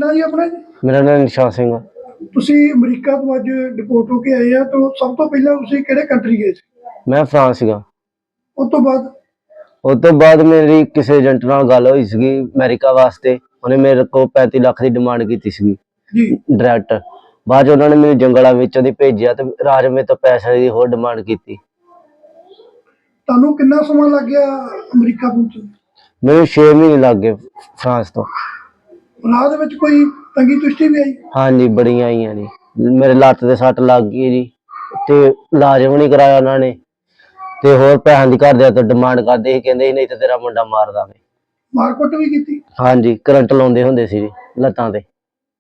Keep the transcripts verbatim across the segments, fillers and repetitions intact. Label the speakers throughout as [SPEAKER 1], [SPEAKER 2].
[SPEAKER 1] ਨਾਂ ਜੀ ਆਪਣਾ ਜੀ?
[SPEAKER 2] ਮੇਰਾ ਨਾਮ ਨਿਸ਼ਾ ਸਿੰਘ ਆ।
[SPEAKER 1] ਤੁਸੀਂ ਅਮਰੀਕਾ ਤੋਂ ਅੱਜ ਡਿਪੋਰਟ ਹੋ ਕੇ ਆਏ ਆ, ਤਾਂ ਸਭ ਤੋਂ ਪਹਿਲਾਂ ਤੁਸੀਂ ਕਿਹੜੇ ਕੰਟਰੀ ਗਏ ਸੀ?
[SPEAKER 2] ਮੈਂ ਫਰਾਂਸ ਸੀਗਾ।
[SPEAKER 1] ਉਸ ਤੋਂ ਬਾਅਦ
[SPEAKER 2] ਉਸ ਤੋਂ ਬਾਅਦ ਮੇਰੀ ਕਿਸੇ ਏਜੰਟ ਨਾਲ ਗੱਲ ਹੋਈ ਸੀਗੀ ਅਮਰੀਕਾ ਵਾਸਤੇ। ਉਹਨੇ ਮੇਰੇ ਕੋਲ ਪੈਂਤੀ ਲੱਖ ਦੀ ਡਿਮਾਂਡ ਕੀਤੀ ਸੀਗੀ
[SPEAKER 1] ਜੀ।
[SPEAKER 2] ਡਾਇਰੈਕਟ। ਬਾਅਦ 'ਚ ਉਹਨਾਂ ਨੇ ਮੈਨੂੰ ਜੰਗਲਾਂ ਵਿੱਚੋਂ ਦੀ ਭੇਜਿਆ ਤੇ ਰਾਜ ਮੇਰੇ ਤੋਂ ਪੈਸੇ ਦੀ ਹੋਰ ਡਿਮਾਂਡ ਕੀਤੀ।
[SPEAKER 1] ਤੁਹਾਨੂੰ ਕਿੰਨਾ ਸਮਾਂ ਲੱਗ ਗਿਆ ਅਮਰੀਕਾ ਪਹੁੰਚਣ?
[SPEAKER 2] ਮੈਨੂੰ ਛੇ ਮਹੀਨੇ ਲੱਗ ਗਏ ਫਰਾਂਸ ਤੋਂ।
[SPEAKER 1] ਰਾਹ ਦੇ ਵਿੱਚ ਕੋਈ ਤੰਗੀ ਤੁਸ਼ਟੀ ਵੀ ਆਈ?
[SPEAKER 2] ਹਾਂਜੀ, ਬੜੀਆਂ ਆਈਆਂ ਜੀ। ਮੇਰੇ ਲੱਤ ਤੇ ਸੱਟ ਲੱਗ ਗਈ ਜੀ, ਤੇ ਇਲਾਜ ਵੀ ਨਹੀਂ ਕਰਾਇਆ ਉਹਨਾਂ ਨੇ, ਤੇ ਹੋਰ ਪੈਸਿਆਂ ਦੀ ਘਰਦਿਆਂ ਤੋਂ ਡਿਮਾਂਡ ਕਰਦੇ ਸੀ, ਕਹਿੰਦੇ ਸੀ ਨਹੀਂ ਤੇ ਤੇਰਾ ਮੁੰਡਾ ਮਾਰ ਦਾਂਗੇ।
[SPEAKER 1] ਮਾਰਕੁੱਟ ਵੀ ਕੀਤੀ?
[SPEAKER 2] ਹਾਂਜੀ, ਕਰੰਟ ਲਾਉਂਦੇ ਹੁੰਦੇ ਸੀ ਜੀ ਲੱਤਾਂ ਤੇ।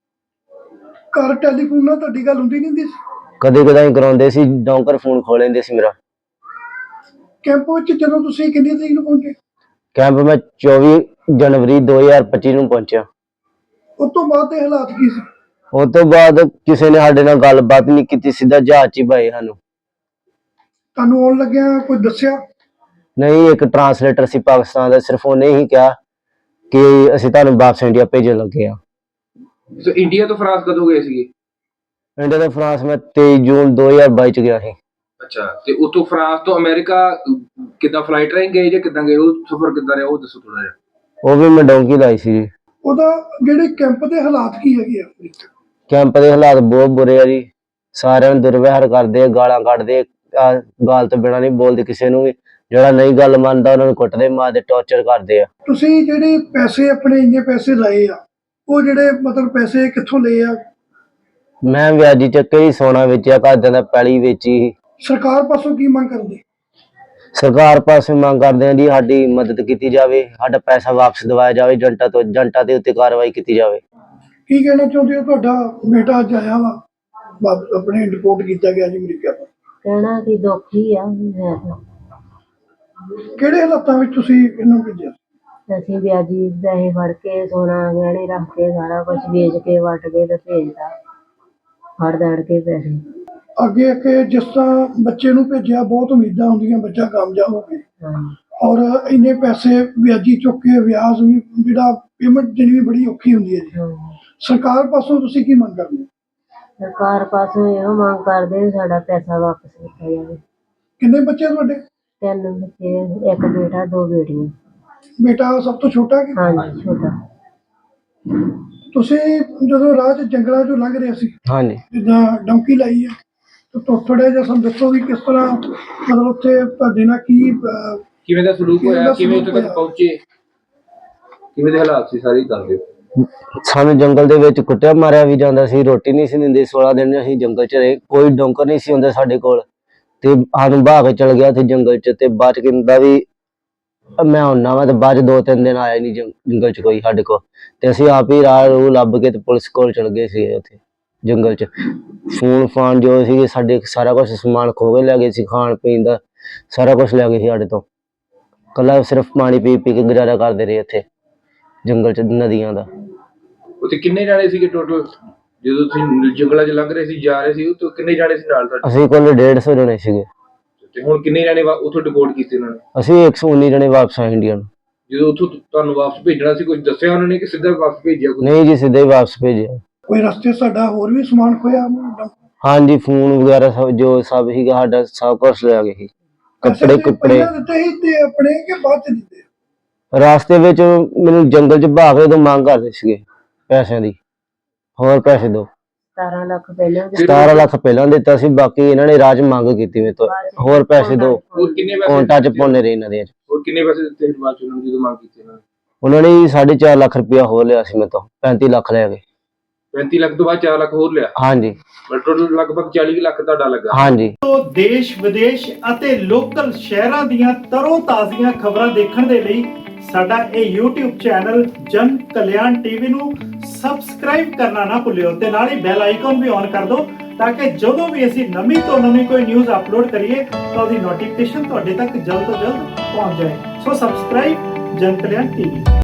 [SPEAKER 1] ਘਰ ਟੈਲੀਫੋਨ ਨਾਲ ਤੁਹਾਡੀ ਗੱਲ ਹੁੰਦੀ ਨਹੀਂ ਹੁੰਦੀ ਸੀ?
[SPEAKER 2] ਕਦੇ ਕਦਾਈ ਕਰਾਉਂਦੇ ਸੀ, ਡੌਂਕਰ ਫੋਨ ਖੋਲ ਲੈਂਦੇ ਸੀ ਮੇਰਾ।
[SPEAKER 1] ਕੈਂਪ ਵਿੱਚ ਜਦੋਂ ਤੁਸੀਂ ਕਿੰਨੀ ਤਰੀਕ ਨੂੰ ਪਹੁੰਚੇ?
[SPEAKER 2] ਕੈਂਪ ਮੈਂ ਚੌਵੀ ਜਨਵਰੀ ਦੋ ਹਜ਼ਾਰ ਪੱਚੀ ਨੂੰ ਪਹੁੰਚਿਆ।
[SPEAKER 1] ਉਸ ਤੋਂ ਬਾਅਦ ਦੇ ਹਾਲਾਤ ਕੀ ਸੀ?
[SPEAKER 2] ਉਸ ਤੋਂ ਬਾਅਦ ਕਿਸੇ ਨੇ ਸਾਡੇ ਨਾਲ ਗੱਲਬਾਤ ਨਹੀਂ ਕੀਤੀ, ਸਿੱਧਾ ਜਹਾਜ਼ 'ਚ ਹੀ ਪਾਏ ਸਾਨੂੰ।
[SPEAKER 1] ਤੁਹਾਨੂੰ ਆਉਣ ਲੱਗਿਆ ਕੋਈ ਦੱਸਿਆ?
[SPEAKER 2] ਨਹੀਂ, ਇੱਕ ਟਰਾਂਸਲੇਟਰ ਸੀ ਪਾਕਿਸਤਾਨ ਦਾ, ਸਿਰਫ ਉਹਨੇ ਹੀ ਕਿਹਾ ਕਿ ਅਸੀਂ ਤੁਹਾਨੂੰ ਵਾਪਸ ਇੰਡੀਆ ਭੇਜਣ ਲੱਗੇ ਆ।
[SPEAKER 3] ਸੋ ਇੰਡੀਆ ਤੋਂ ਫਰਾਂਸ ਕਦੋਂ ਗਏ ਸੀਗੇ?
[SPEAKER 2] ਇੰਡੀਆ ਤੋਂ ਫਰਾਂਸ ਮੈਂ ਤੇਈ ਜੂਨ ਦੋ ਹਜ਼ਾਰ ਬਾਈ 'ਚ ਗਿਆ ਸੀ।
[SPEAKER 3] ਅੱਛਾ, ਤੇ ਉਤੋਂ ਫਰਾਂਸ ਤੋਂ ਅਮਰੀਕਾ ਕਿੱਦਾਂ ਫਲਾਈਟ ਰਾਹੀਂ ਗਏ ਜਾਂ ਕਿੱਦਾਂ ਗਏ? ਉਹ ਸਫ਼ਰ ਕਿੱਦਾਂ ਰਿਹਾ ਉਹ ਦੱਸੋ ਥੋੜਾ ਜਿਹਾ।
[SPEAKER 2] ਉਹ ਵੀ ਮੈਂ ਡੌਂਕੀ ਲਾਈ ਸੀ ਜੀ।
[SPEAKER 1] ਉਹਦਾ ਜਿਹੜੇ ਕੈਂਪ ਦੇ ਹਾਲਾਤ ਕੀ ਹੈਗੇ ਆ?
[SPEAKER 2] ਕੈਂਪ ਦੇ ਹਾਲਾਤ ਬਹੁਤ ਬੁਰੇ ਆ ਜੀ। ਸਾਰਿਆਂ ਨੂੰ ਦੁਰਵਿਹਾਰ ਕਰਦੇ ਆ, ਗਾਲਾਂ ਕੱਢਦੇ ਆ, ਗਾਲ ਤੋਂ ਬਿਨਾਂ ਨਹੀਂ ਬੋਲਦੇ ਕਿਸੇ ਨੂੰ ਵੀ। ਜਿਹੜਾ ਨਹੀਂ ਗੱਲ ਮੰਨਦਾ ਉਹਨਾਂ ਨੂੰ ਕੁੱਟਦੇ, ਮਾਰਦੇ, ਟੌਰਚਰ ਕਰਦੇ ਆ।
[SPEAKER 1] ਤੁਸੀਂ ਜਿਹੜੇ ਪੈਸੇ ਆਪਣੇ ਇੰਨੇ ਪੈਸੇ ਲਾਏ ਆ, ਉਹ ਜਿਹੜੇ ਮਤਲਬ ਪੈਸੇ ਕਿੱਥੋਂ ਲਏ ਆ?
[SPEAKER 2] ਮੈਂ ਵਿਆਜੀ ਚੱਕੇ ਹੀ ਸੋਨਾ ਵੇਚਿਆ, ਘਰਦਿਆਂ ਦਾ ਪੈਲੀ ਵੇਚੀ।
[SPEAKER 1] ਸਰਕਾਰ ਪਾਸੋਂ ਕੀ ਮੰਗ ਕਰਦੇ?
[SPEAKER 2] ਸਰਕਾਰ ਪਾਸੇ ਮੰਗ ਕਰਦੇ ਆ ਜੀ ਸਾਡੀ ਮਦਦ ਕੀਤੀ ਜਾਵੇ, ਸਾਡਾ ਪੈਸਾ ਵਾਪਸ ਦਿਵਾਇਆ ਜਾਵੇ, ਏਜੰਟਾਂ ਤੋਂ ਏਜੰਟਾਂ ਦੇ ਉੱਤੇ ਕਾਰਵਾਈ ਕੀਤੀ ਜਾਵੇ।
[SPEAKER 1] ਕੀ ਕਹਿਣਾ ਚਾਹੁੰਦੇ ਹੋ? ਤੁਹਾਡਾ ਬੇਟਾ ਅੱਜ ਆਇਆ ਵਾ, ਵਾਪਸ ਆਪਣੇ ਡਿਪੋਰਟ ਕੀਤਾ ਗਿਆ ਜੀ ਅਮਰੀਕਾ ਤੋਂ।
[SPEAKER 4] ਕਹਿਣਾ ਕਿ ਦੁੱਖ ਹੀ ਆ। ਹੈ ਤਾਂ
[SPEAKER 1] ਕਿਹੜੇ ਹਾਲਾਤਾਂ ਵਿੱਚ ਤੁਸੀਂ ਇਹਨੂੰ ਭੇਜਿਆ?
[SPEAKER 4] ਅਸੀਂ ਵਿਆਜੀ ਪੈਸੇ ਫੜ ਕੇ ਸੋਨਾ ਗਹਿਣੇ ਰੱਖ ਕੇ ਸਾਰਾ ਕੁਝ ਵੇਚ ਕੇ ਵੱਟ ਕੇ ਤੇ ਭੇਜਦਾ, ਫੜ ਦੜ ਕੇ ਪੈਸੇ।
[SPEAKER 1] ਅੱਗੇ ਅੱਗੇ ਜਿਸ ਤਰ੍ਹਾਂ ਬੱਚੇ ਨੂੰ ਭੇਜਿਆ, ਬਹੁਤ ਉਮੀਦਾਂ ਹੁੰਦੀਆਂ ਬੱਚਾ ਕਾਮਯਾਬ ਹੋਵੇ, ਔਰ ਇੰਨੇ ਪੈਸੇ ਵਿਆਜੀ ਚੁੱਕ ਕੇ ਵਿਆਜ ਵੀ ਜਿਹੜਾ ਪੇਮੈਂਟ ਦੇਣੀ ਵੀ ਬੜੀ ਔਖੀ ਹੁੰਦੀ ਹੈ ਜੀ। ਸਰਕਾਰ ਪਾਸੋਂ ਤੁਸੀਂ ਕੀ ਮੰਗ ਕਰਦੇ?
[SPEAKER 4] ਸਰਕਾਰ ਪਾਸੋਂ ਇਹੋ ਮੰਗ ਕਰਦੇ ਵੀ ਸਾਡਾ ਪੈਸਾ ਵਾਪਸ ਕੀਤਾ ਜਾਵੇ।
[SPEAKER 1] ਕਿੰਨੇ ਬੱਚੇ ਤੁਹਾਡੇ?
[SPEAKER 4] ਤਿੰਨ ਬੱਚੇ, ਇੱਕ ਬੇਟਾ, ਦੋ ਬੇਟੀਆਂ।
[SPEAKER 1] ਬੇਟਾ ਸਭ ਤੋਂ ਛੋਟਾ ਕਿ?
[SPEAKER 4] ਹਾਂਜੀ, ਛੋਟਾ।
[SPEAKER 1] ਤੁਸੀਂ ਜਦੋਂ ਰਾਹ 'ਚ ਜੰਗਲਾਂ 'ਚੋਂ ਲੰਘ ਰਹੇ ਸੀ,
[SPEAKER 2] ਹਾਂਜੀ,
[SPEAKER 1] ਜਿੱਦਾਂ ਡੌਂਕੀ ਲਾਈ ਆ, ਤਾਂ ਥੋੜਾ ਜਿਹਾ ਸਾਨੂੰ ਦੱਸੋ ਵੀ ਕਿਸ ਤਰ੍ਹਾਂ ਮਤਲਬ ਉੱਥੇ ਤੁਹਾਡੇ ਨਾਲ ਕੀ ਅਹ,
[SPEAKER 3] ਕਿਵੇਂ ਦਾ ਸਲੂਕ
[SPEAKER 1] ਕਿਵੇਂ ਦਾ
[SPEAKER 3] ਹੋਇਆ, ਕਿਵੇਂ ਉੱਥੇ
[SPEAKER 1] ਸਲੂਕ
[SPEAKER 3] ਤੱਕ
[SPEAKER 1] ਹੋਇਆ?
[SPEAKER 3] ਪਹੁੰਚੇ, ਕਿਵੇਂ ਦੇ ਹਾਲਾਤ ਸੀ, ਸਾਰੀ ਗੱਲ ਦਿਓ।
[SPEAKER 2] ਸਾਨੂੰ ਜੰਗਲ ਦੇ ਵਿੱਚ ਕੁੱਟਿਆ ਮਾਰਿਆ ਵੀ ਜਾਂਦਾ ਸੀ, ਰੋਟੀ ਨਹੀਂ ਸੀ ਦਿੰਦੇ। ਸੋਲਾਂ ਦਿਨ ਅਸੀਂ ਜੰਗਲ 'ਚ ਰਹੇ, ਕੋਈ ਡੌਂਕਰ ਨਹੀਂ ਸੀ ਹੁੰਦਾ ਸਾਡੇ ਕੋਲ, ਤੇ ਸਾਨੂੰ ਬਹਾ ਕੇ ਚਲ ਗਿਆ ਉੱਥੇ ਜੰਗਲ 'ਚ। ਤੇ ਬਾਅਦ 'ਚ ਕਹਿੰਦਾ ਵੀ ਮੈਂ ਹੁੰਨਾ ਵਾ, ਤੇ ਬਾਅਦ 'ਚ ਦੋ ਤਿੰਨ ਦਿਨ ਆਇਆ ਨਹੀਂ ਜੰਗਲ 'ਚ ਕੋਈ ਸਾਡੇ ਕੋਲ। ਤੇ ਅਸੀਂ ਆਪ ਹੀ ਰਾਹ ਰੂਹ ਲੱਭ ਕੇ ਤੇ ਪੁਲਿਸ ਕੋਲ ਚਲ ਗਏ ਸੀ ਉੱਥੇ ਜੰਗਲ 'ਚ। ਫੋਨ ਫਾਨ ਜੋ ਸੀਗੇ ਸਾਡੇ, ਸਾਰਾ ਕੁਛ ਸਮਾਨ ਖੋਹ ਕੇ ਲੈ ਗਏ ਸੀ, ਖਾਣ ਪੀਣ ਦਾ ਸਾਰਾ ਕੁਛ ਲੈ ਗਏ ਸੀ ਸਾਡੇ ਤੋਂ। ਕੱਲਾ ਸਿਰਫ ਪਾਣੀ ਪੀ ਪੀ ਕੇ ਗੁਜ਼ਾਰਾ ਕਰਦੇ ਰਹੇ ਇੱਥੇ ਜੰਗਲ 'ਚ, ਨਦੀਆਂ ਦਾ।
[SPEAKER 3] ਉੱਥੇ ਕਿੰਨੇ ਜਾਣੇ ਸੀਗੇ ਟੋਟਲ ਜਦੋਂ ਤੁਸੀਂ ਜੰਗਲਾਂ 'ਚ ਲੰਘ ਰਹੇ ਸੀ, ਜਾ ਰਹੇ ਸੀ? ਉੱਥੇ ਕਿੰਨੇ ਜਾਣੇ ਸੀ ਨਾਲ ਤੁਹਾਡੇ?
[SPEAKER 2] ਅਸੀਂ ਕੋਲ ਡੇਢ ਸੌ ਜਣੇ ਸੀਗੇ।
[SPEAKER 3] ਤੇ ਹੁਣ ਕਿੰਨੇ ਜਾਣੇ ਉੱਥੋਂ ਡਿਪੋਰਟ ਕੀਤੇ ਉਹਨਾਂ ਨੇ?
[SPEAKER 2] ਅਸੀਂ ਇੱਕ ਸੌ ਉੱਨੀ ਜਣੇ ਵਾਪਸ ਆਏ ਇੰਡੀਆ ਨੂੰ।
[SPEAKER 3] ਜਦੋਂ ਉੱਥੋਂ ਤੁਹਾਨੂੰ ਵਾਪਸ ਭੇਜਣਾ ਸੀ, ਕੁਝ ਦੱਸਿਆ ਉਹਨਾਂ ਨੇ ਕਿ ਸਿੱਧਾ ਵਾਪਸ ਭੇਜਿਆ?
[SPEAKER 2] ਨਹੀਂ ਜੀ, ਸਿੱਧਾ ਹੀ ਵਾਪਸ ਭੇਜਿਆ।
[SPEAKER 1] ਕੋਈ ਰਸਤੇ ਸਾਡਾ ਹੋਰ ਵੀ ਸਮਾਨ ਖੋਇਆ?
[SPEAKER 2] ਹਾਂਜੀ, ਫੋਨ ਵਗੈਰਾ ਸਭ ਜੋ ਸਭ ਸੀਗਾ ਸਾਡਾ, ਸਭ ਕੁਛ ਲੈ ਗਏ ਸੀ। ਕੱਪੜੇ ਕੁੱਪੜੇ
[SPEAKER 1] ਦਿੱਤੇ ਸੀ ਤੇ ਆਪਣੇ ਕਿ ਬਾਅਦ 'ਚ ਦਿੱਤੇ?
[SPEAKER 2] ਰਾਸਤੇ ਵਿੱਚ ਮੈਨੂੰ ਜੰਗਲ 'ਚ ਬਹਾ ਕੇ ਉਦੋਂ ਮੰਗ ਕਰਦੇ ਸੀਗੇ ਪੈਸਿਆਂ ਦੀ, ਹੋਰ ਪੈਸੇ ਦਿਓ।
[SPEAKER 4] ਸਤਾਰਾਂ ਲੱਖ ਪਹਿਲਾਂ
[SPEAKER 2] ਸਤਾਰਾਂ ਲੱਖ ਪਹਿਲਾਂ ਦਿੱਤਾ ਸੀ, ਬਾਕੀ ਇਹਨਾਂ ਨੇ ਰਾਜ ਮੰਗ ਕੀਤੀ ਮੇਰੇ ਤੋਂ, ਹੋਰ ਪੈਸੇ ਦਿਓ।
[SPEAKER 3] ਹੋਰ ਕਿੰਨੇ ਪੈਸੇ
[SPEAKER 2] ਕੌਂਟਾਂ 'ਚ ਪਾਉਂਦੇ ਰਹੇ ਇਹਨਾਂ ਦੇ।
[SPEAKER 3] ਹੋਰ ਕਿੰਨੇ ਪੈਸੇ ਦਿੱਤੇ ਬਾਅਦ 'ਚ ਉਹਨਾਂ ਨੂੰ ਜਦੋਂ ਮੰਗ ਕੀਤੀ ਇਹਨਾਂ ਨੇ?
[SPEAKER 2] ਉਹਨਾਂ ਨੇ ਸਾਢੇ ਚਾਰ ਲੱਖ ਰੁਪਇਆ ਹੋਰ ਲਿਆ ਸੀ ਮੇਰੇ ਤੋਂ, ਪੈਂਤੀ ਲੱਖ ਲੈ ਗਏ।
[SPEAKER 3] ਪੈਂਤੀ ਲੱਖ ਤੋਂ ਬਾਅਦ ਚਾਰ ਲੱਖ ਹੋਰ ਲਿਆ?
[SPEAKER 2] ਹਾਂਜੀ,
[SPEAKER 3] ਟੋਟਲ ਲਗਭਗ ਚਾਲੀ ਲੱਖ ਤੁਹਾਡਾ ਲੱਗਾ।
[SPEAKER 2] ਹਾਂਜੀ।
[SPEAKER 5] ਦੇਸ਼ ਵਿਦੇਸ਼ ਅਤੇ ਲੋਕਲ ਸ਼ਹਿਰਾਂ ਦੀਆਂ ਤਰੋ ਤਾਜ਼ੀਆਂ ਖਬਰਾਂ ਦੇਖਣ ਦੇ ਲਈ ਸਾਡਾ ਇਹ YouTube ਚੈਨਲ ਜਨ ਕਲਿਆਣ ਟੀਵੀ ਨੂੰ ਸਬਸਕ੍ਰਾਈਬ ਕਰਨਾ ਨਾ ਭੁੱਲਿਓ, ਤੇ ਨਾਲ ਹੀ ਬੈਲ ਆਈਕਨ ਵੀ ਔਨ ਕਰ ਦਿਓ, ਤਾਂ ਕਿ ਜਦੋਂ ਵੀ ਅਸੀਂ ਨਵੀਂ ਤੋਂ ਨਵੀਂ ਕੋਈ ਨਿਊਜ਼ ਅਪਲੋਡ ਕਰੀਏ ਤਾਂ ਉਹਦੀ ਨੋਟੀਫਿਕੇਸ਼ਨ ਤੁਹਾਡੇ ਤੱਕ ਜਲਦ ਤੋਂ ਜਲਦ ਪਹੁੰਚ ਜਾਏ। ਸੋ ਸਬਸਕ੍ਰਾਈਬ ਜਨ ਕਲਿਆਣ ਟੀਵੀ।